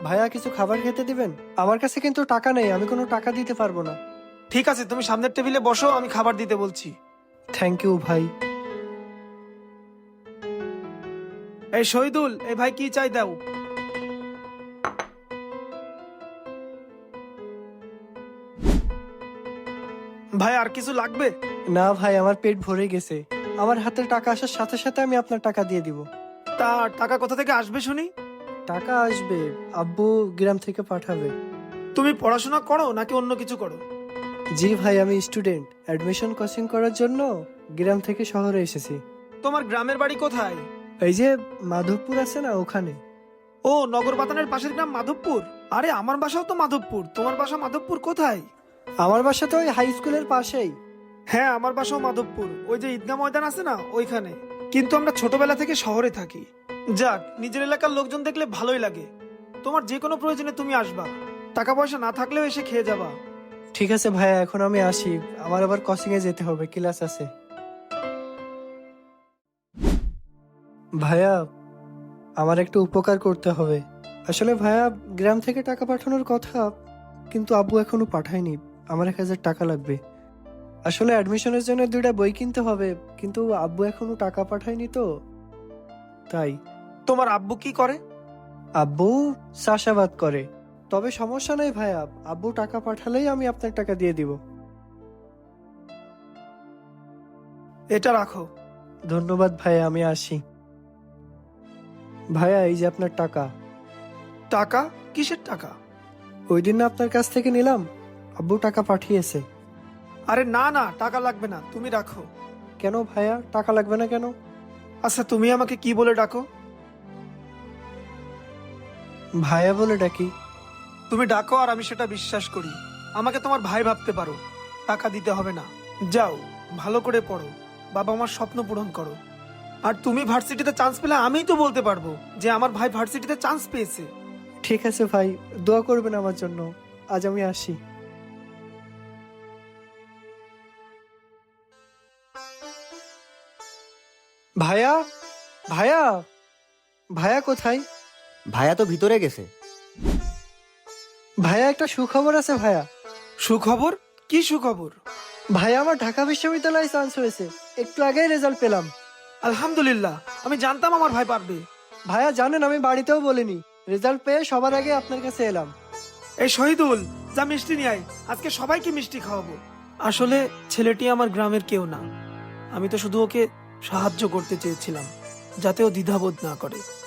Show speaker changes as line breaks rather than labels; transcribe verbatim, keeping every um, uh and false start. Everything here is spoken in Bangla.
ভাইয়া কিছু খাবার খেতে দিবেন? আমার কাছে কিন্তু টাকা নেই, আমি কোনো টাকা দিতে পারবো না।
ঠিক আছে, তুমি সামনের টেবিলে বসো, আমি খাবার দিতে বলছি।
থ্যাংক ইউ ভাই।
এই শহীদুল, এই ভাই কি চাই দাও। ভাই আর কিছু লাগবে?
না ভাই, আমার পেট ভরে গেছে। আমার হাতে টাকা আসার সাথে সাথে আমি আপনার টাকা দিয়ে দিব।
তা টাকা কোথা থেকে আসবে শুনি?
টাকা আসবে, আব্বু গ্রাম থেকে পাঠাবে।
তুমি পড়াশোনা করো নাকি অন্য কিছু করো?
জি ভাই, আমি স্টুডেন্ট, অ্যাডমিশন কোচিং করার জন্য গ্রাম থেকে শহরে এসেছি।
তোমার গ্রামের বাড়ি কোথায়?
এই যে মাধবপুর আছে না, ওখানে।
ও, নগর বাতানের পাশের গ্রাম মাধবপুর। আরে আমার বাসাও তো মাধবপুর। তোমার বাসা মাধবপুর কোথায়?
আমার বাসা তো ওই হাই স্কুলের পাশেই।
হ্যাঁ, আমার বাসাও মাধবপুর, ওই যে ঈদগাহ ময়দান আছে না ওইখানে। কিন্তু আমরা ছোটবেলা থেকে শহরে থাকি। যাক, নিজের এলাকার লোকজন দেখলে ভালোই লাগে। তোমার যে কোনো প্রয়োজনে তুমি আসবা, টাকা পয়সা না থাকলেও এসে খেয়ে যাবা।
ঠিক আছে ভাইয়া, এখন আমি আসি, আমার আবার কোচিং এ যেতে হবে, ক্লাস আছে। ভাইয়া, আমার একটু উপকার করতে হবে। আসলে ভাইয়া, গ্রাম থেকে টাকা পাঠানোর কথা, কিন্তু আব্বু এখনো পাঠায়নি। আমার এক হাজার টাকা লাগবে। আসলে অ্যাডমিশনের জন্য দুইটা বই কিনতে হবে, কিন্তু আব্বু এখনো টাকা পাঠায়নি তো তাই।
তোমার আব্বু কি করে?
আব্বু চাষাবাদ করে। তবে সমস্যা নেই ভাইয়া, আব্বু টাকা পাঠালেই আমি আপনার টাকা দিয়ে দিব।
এটা রাখো।
ধন্যবাদ ভাইয়া, আমি আসি। ভাইয়া, এই যে আপনার টাকা।
টাকা? কিসের টাকা?
ওই দিন না আপনার কাছ থেকে নিলাম, আব্বু টাকা পাঠিয়েছে।
আরে না না, টাকা লাগবে না, তুমি রাখো।
কেন ভাইয়া, টাকা লাগবে না কেন?
আচ্ছা, তুমি আমাকে কি বলে ডাকো?
ভাইয়া বলে ডাকি।
তুমি ডাকো আর আমি সেটা বিশ্বাস করি। আমাকে তোমার ভাই ভাবতে পারো, টাকা দিতে হবে না। যাও, ভালো করে পড়ো, বাবা আমার স্বপ্ন পূরণ করো। আর তুমি ভার্সিটিতে চান্স পেলে আমিই তো বলতে পারবো যে আমার ভাই ভার্সিটিতে চান্স পেয়েছে।
ঠিক আছে ভাই, দোয়া করবেন আমার জন্য। আজ আমি আসি। ভাইয়া, ভাইয়া, ভাইয়া কোথায়?
ভাইয়া তো ভিতরে গেছে।
ভাইয়া, একটা সুখবর আছে ভাইয়া।
সুখবর? কি সুখবর?
ভাইয়া, আমার ঢাকা বিশ্ববিদ্যালয়ে চান্স হয়েছে, একটু আগেই রেজাল্ট পেলাম।
আলহামদুলিল্লাহ, আমি জানতাম আমার ভাই পারবে।
ভাইয়া জানেন, আমি বাড়িতেও বলিনি, রেজাল্ট পেয়ে সবার আগে আপনার কাছে এলাম।
এই শহীদুল, যা মিষ্টি নিয়ে আয়, আজকে সবাইকে মিষ্টি খাওয়াবো। আসলে ছেলেটি আমার গ্রামের কেউ না, আমি তো শুধু ওকে সাহায্য করতে চেয়েছিলাম, যাতে ও দ্বিধাবোধ না করে।